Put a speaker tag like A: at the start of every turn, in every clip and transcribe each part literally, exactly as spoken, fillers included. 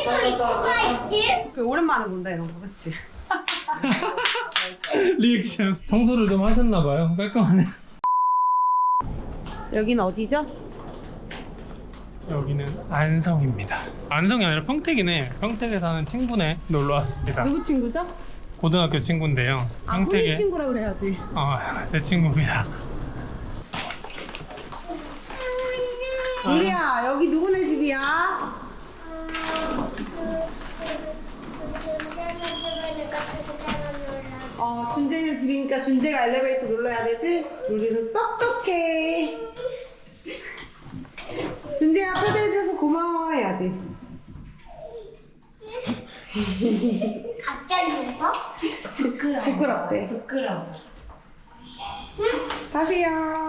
A: 뭐가 있지?
B: 그 오랜만에 본다 이런 거, 그치?
C: 리액션. 청소를 좀 하셨나봐요. 깔끔하네.
B: 여기는 어디죠?
C: 여기는 안성입니다. 안성이 아니라 평택이네. 평택에 사는 친구네 놀러 왔습니다.
B: 누구 친구죠?
C: 고등학교 친구인데요.
B: 아,
C: 평택에.
B: 훈이 친구라 그래야지.
C: 어, 제 친구입니다.
B: 우리야, 여기 누구네 집이야? 어, 준재네 집이니까 준재가 엘리베이터 눌러야 되지? 우리는 똑똑해. 준재야, 초대해줘서 고마워 해야지.
A: 갑자기 울어? 부끄러워.
B: 부끄럽대.
A: 부끄러워.
B: 가세요.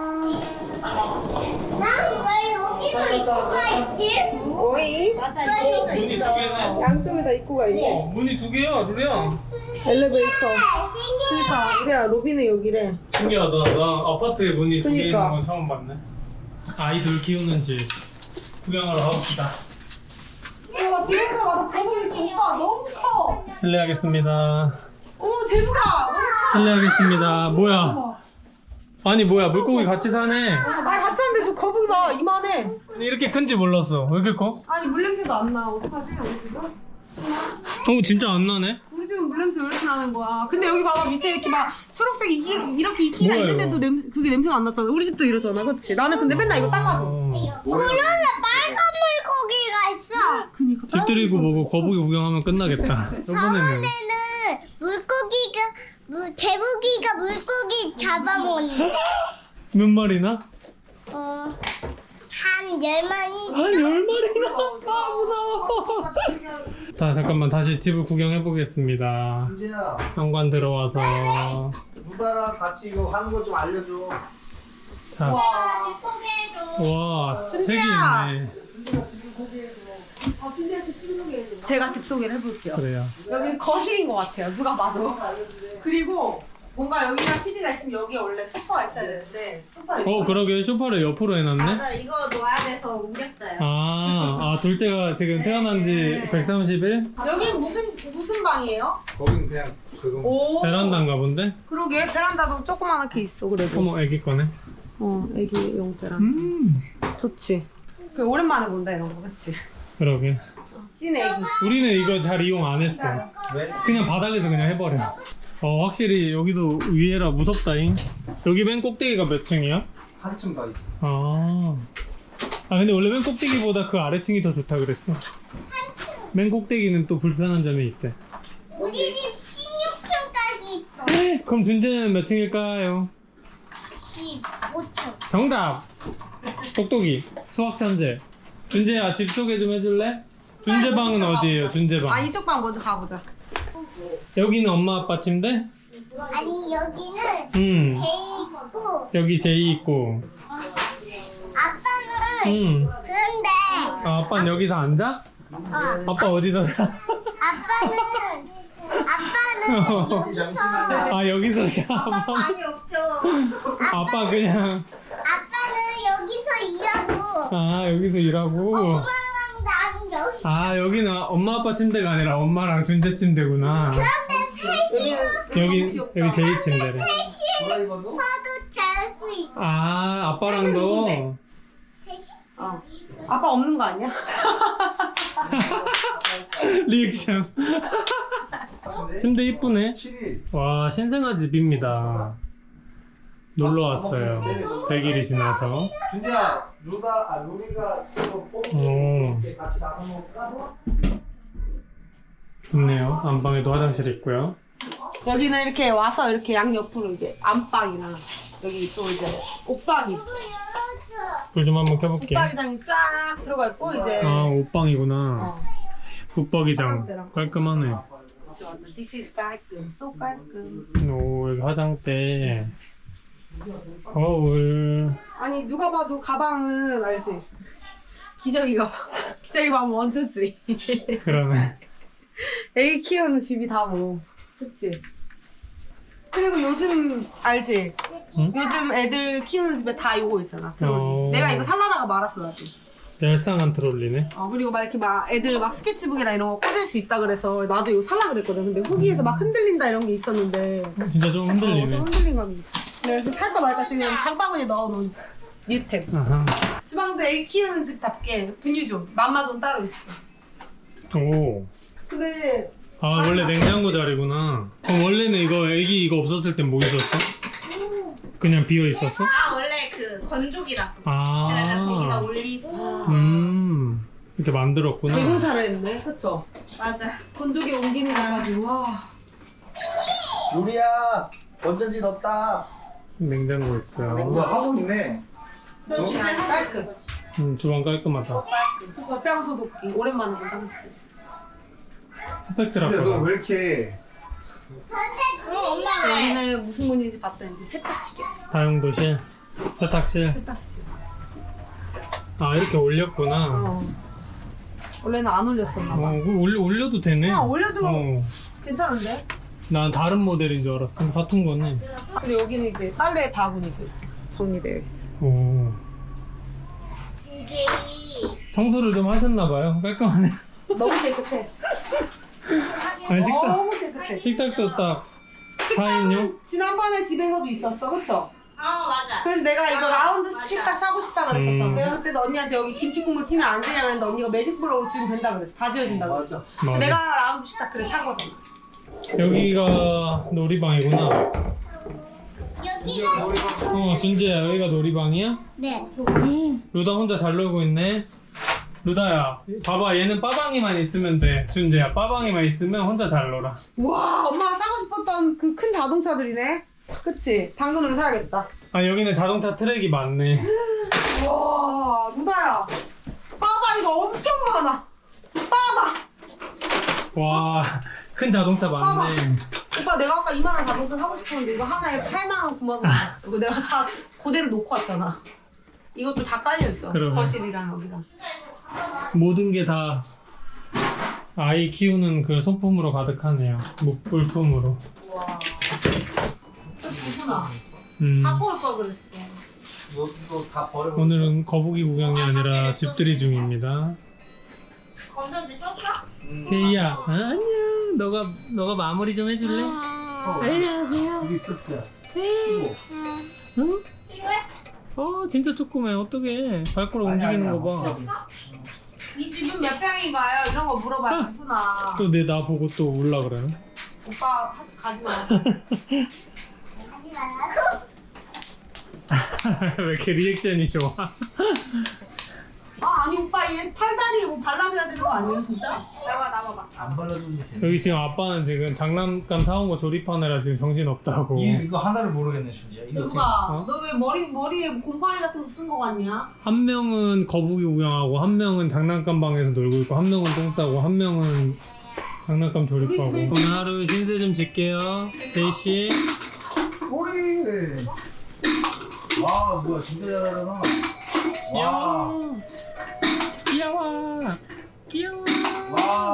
A: 난왜 여기도 입구가 있지?
B: 오이?
A: 맞아,
C: 어, 문이 두 개네.
B: 양쪽에다 입구가 있네.
C: 어, 문이 두 개야, 둘이야.
B: 엘리베이터.
A: 신기해.
B: 그러니까 우리야, 로비는 여기래.
C: 신기하다. 나 아파트에 문이 두 개 있는
B: 그니까.
C: 건 처음 봤네. 아이들 키우는 집 구경하러 가봅시다.
B: 와, 비행가 와서 거북이 오빠 너무 커.
C: 실례하겠습니다.
B: 어머, 제주가 너무
C: 실례하겠습니다. 뭐야? 아니 뭐야? 물고기 같이 사네.
B: 아니 같이 하는데 저 거북이 봐 이만해.
C: 이렇게 큰지 몰랐어. 왜 이렇게 커?
B: 아니 물냄새도 안 나. 어떡하지 우리 집은?
C: 어 진짜 안 나네.
B: 우리 집은 물냄새 왜 이렇게 나는 거야? 근데 여기 봐봐 밑에 이렇게 막 초록색 이끼, 이렇게 이끼가
C: 뭐야,
B: 있는데도
C: 이거?
B: 냄, 그게 냄새가 안 났잖아. 우리 집도 이러잖아, 그렇지? 나는 근데 맨날 이거 닦아줘.
C: 어.
A: 그런데 빨간 물고기가 있어.
B: 그니까.
C: 집들이고 뭐고 거북이 구경하면 끝나겠다. 저번에는
A: 저번에는 물고기가 물 제부기가 물고기 잡아먹는.
C: 몇 마리나?
A: 어, 한 열 마리.
C: 한 열 마리나? 아 무서워. 자 잠깐만 다시 집을 구경해 보겠습니다.
D: 준재야,
C: 현관 들어와서
D: 누나랑 같이 이거 하는 거 좀 알려줘.
C: 자,
A: 소개해줘.
C: 와 색이
B: 준재야.
C: 있네.
B: 제가 집 소개를 해볼게요.
C: 그래요.
B: 여기 거실인 것 같아요. 누가 봐도. 그리고 뭔가 여기가 티비가 있으면 여기에 원래 소파가 있어야 되는데 소파를
C: 어 그러게 소파를 옆으로 해놨네.
A: 맞아, 이거 놓아야 돼서 옮겼어요.
C: 아, 아 둘째가 지금 태어난 지 백삼십 일?
B: 여기 무슨 무슨 방이에요?
D: 거긴 그냥 그거.
B: 오.
C: 베란다인가 본데?
B: 그러게 베란다도 조그만하게 있어 그래도.
C: 어머 애기 거네.
B: 어 애기용 베란다.
C: 음
B: 좋지. 그 오랜만에 본다 이런 거, 그치?
C: 그러게.
B: 찐 애기.
C: 우리는 이거 잘 이용 안 했어.
D: 왜?
C: 그냥 바닥에서 그냥 해버려. 어 확실히 여기도 위에라 무섭다잉. 여기 맨 꼭대기가 몇 층이야?
D: 한층 더 있어.
C: 아. 아 근데 원래 맨 꼭대기보다 그 아래층이 더 좋다 그랬어. 맨 꼭대기는 또 불편한 점이 있대.
A: 우리 집 십육 층까지 있어.
C: 그럼 준재는 몇 층일까요?
A: 십오 층.
C: 정답! 똑똑이 수학 천재. 준재야 집 소개 좀 해줄래? 준재 방은 어디예요? 준재
B: 아
C: 방.
B: 이쪽 방 먼저 가보자.
C: 여기는 엄마 아빠 침대?
A: 아니, 여기는
C: 음
A: 제이 있고,
C: 여기 제이 있고.
A: 아빠는
C: 음
A: 그런데,
C: 아, 아빠는 여기서 앉아?
A: 어,
C: 아빠 어디서 자?
A: 아빠는, 아빠는 여기서,
D: 잠시만요.
C: 아 여기서 자.
A: 아빠
C: 아빠,
A: 방이 없죠.
C: 아빠 그냥
A: 아빠는 여기서 일하고,
C: 아 여기서 일하고.
A: 엄마랑 나는 여기.
C: 아 여기는 엄마 아빠 침대가 아니라 엄마랑 준재 침대구나.
A: 그런데 셋이서,
C: 여기 여기 제이 침대래.
A: 셋이
D: 드라이버도?
A: 서도 잘 수 있어.
C: 아 아빠랑도.
B: 누군데?
A: 셋이?
B: 어. 아빠 없는 거 아니야?
C: 리액션. 침대 이쁘네.
D: 칠 일.
C: 와 신생아 집입니다. 놀러 왔어요. 백 일이 지나서.
D: 준재야, 루다, 아, 루리가 이거
C: 오.
D: 뽑을게. 같이 나눠 먹을까?
C: 좋네요. 안방에도 화장실 있고요.
B: 여기는 이렇게 와서 이렇게 양 옆으로 이제 안방이랑 여기 또 이제 옷방이
A: 이거 열어줘.
C: 불 좀 한번 켜볼게요.
B: 붙박이장이 쫙 들어가 있고 이제
C: 아 옷방이구나.
B: 어.
C: 붙박이장 깔끔하네.
B: 그치, 완전 This is 깔끔, so 깔끔.
C: 오 여기 화장대. 거울.
B: 아니 누가 봐도 가방은 알지? 기저귀 가방. 기저귀 가방 원, 투, 쓰리.
C: 그러네.
B: 애기 키우는 집이 다 뭐. 그치? 그리고 요즘 알지?
C: 응?
B: 요즘 애들 키우는 집에 다 이거 있잖아.
C: 어.
B: 내가 이거 살라다가 말았어 나도.
C: 얄쌍한 트롤리네.
B: 어, 그리고 막 이렇게 막 애들 막 스케치북이나 이런 거 꽂을 수 있다 그래서 나도 이거 살라 그랬거든. 근데 후기에서 막 흔들린다 이런 게 있었는데
C: 진짜 좀
B: 어,
C: 흔들리네.
B: 좀 흔들린 감이 있어. 그래서 살까 말까 지금 장바구니에 넣어놓은 뉴템.
C: 아하.
B: 주방도 애 키우는 집답게 분유존, 맘마존 따로 있어.
C: 오.
B: 근데
C: 아 원래 냉장고 자리구나. 그럼 원래는 이거 애기 이거 없었을 땐 뭐 있었어? 그냥 비어 있었어?
A: 아 원래 그 건조기라서.
C: 아.
A: 그래서 저기다 올리고.
C: 음. 이렇게 만들었구나.
B: 대공사를 했네, 그쵸?
A: 맞아.
B: 건조기 옮기는 거 가지고 와.
D: 요리야 건전지 넣었다.
C: 냉장고
D: 뭐야
C: 있고요.
D: 하고 있네.
B: 저 진짜 깔끔.
C: 음, 주방 깔끔하다.
B: 젖병 소독기 오랜만에 본다, 그치?
C: 스펙트라.
D: 근데 너 왜 이렇게
A: 그럼 엄마 왜?
B: 여기는 무슨 문인지 봤더니 세탁실이야.
C: 다용도실, 세탁실.
B: 세탁실.
C: 아 이렇게 올렸구나.
B: 어. 원래는 안 올렸었나 봐.
C: 어, 그거 올려, 올려도 되네.
B: 아, 올려도
C: 어.
B: 괜찮은데?
C: 난 다른 모델인 줄 알았어. 같은 거네.
B: 그리고 여기는 이제 빨래 바구니들 정리되어 있어.
C: 오.
A: 이게
C: 청소를 좀 하셨나봐요. 깔끔하네.
B: 너무 깨끗해.
C: 아니 식탁,
B: 너무 깨끗해.
C: 식탁도 딱 사 인용?
B: 식당은 지난번에 집에서도 있었어, 그쵸?
A: 아 맞아.
B: 그래서 내가 이거
A: 맞아,
B: 라운드
A: 맞아.
B: 식탁 사고 싶다 그랬었어.
C: 음.
B: 내가 그때도 언니한테 여기 김치 국물 튀면 안 되냐 그랬는데 언니가 매직 블록으로 지으면 된다 그랬어. 다 지어준다 그랬어.
C: 맞아.
B: 내가 라운드 식탁 그래 산 거잖아.
C: 여기가 놀이방이구나.
A: 여기가
C: 어, 준재야, 여기가 놀이방이야?
A: 네.
C: 루다 혼자 잘 놀고 있네. 루다야, 봐봐, 얘는 빠방이만 있으면 돼. 준재야, 빠방이만 있으면 혼자 잘 놀아.
B: 와, 엄마가 사고 싶었던 그 큰 자동차들이네. 그치? 당근으로 사야겠다.
C: 아, 여기는 자동차 트랙이 많네.
B: 와, 루다야. 빠바 이거 엄청 많아. 빠바.
C: 와, 큰 자동차 많네.
B: 오빠 내가 아까 이만 원 자동차 사고 싶었는데 이거 하나에 팔만 원, 구만 원 줬어. 이거 내가 사 그대로 놓고 왔잖아. 이것도 다 깔려 있어.
C: 그러네.
B: 거실이랑 여기랑.
C: 모든 게 다 아이 키우는 그 소품으로 가득하네요. 물- 물품으로.
B: 와. 누구나
C: 음,
B: 갖고 올 걸 그랬어.
D: 이거 다 버려.
C: 오늘은 거북이 구경이 아니라 집들이 중입니다.
A: 건전지 썼어?
C: 제이야, 아, 안녕. 너가 너가 마무리 좀 해줄래? 안녕하세요.
D: 여기 있었지.
C: 응?
A: 필요해?
C: 어, 진짜 조그매. 어떡해. 발가락 움직이는 거 봐.
B: 이 집은 몇 평인가요? 이런 거 물어봐야 누구나.
C: 또 내 나 보고 또 올라 그러네.
B: 오빠 하지 가지 마.
A: 하지 말라고.
C: 왜 이렇게 리액션이 좋아?
B: 아 아니 오빠 얘 팔다리에 뭐 발라줘야 되는 거 아니에요 진짜? 나봐 나봐봐.
D: 안 발라주면 돼.
C: 여기 지금 아빠는 지금 장난감 사온 거 조립하느라 지금 정신 없다고.
D: 이 이거 하나를 모르겠네 준지야. 이거 어떻게?
B: 누가
C: 어?
B: 너 왜 머리 머리에 곰팡이 같은 거 쓴 거 같냐?
C: 한 명은 거북이 구경하고 한 명은 장난감 방에서 놀고 있고 한 명은 똥 싸고 한 명은 장난감 조립하고.
B: 우리 집에-
C: 오늘 하루 신세 좀 질게요. 제이 씨.
D: 머리. 와 뭐야 진짜 잘하잖아. 와.
C: 귀여워. 귀여워. 귀여워.
D: 와.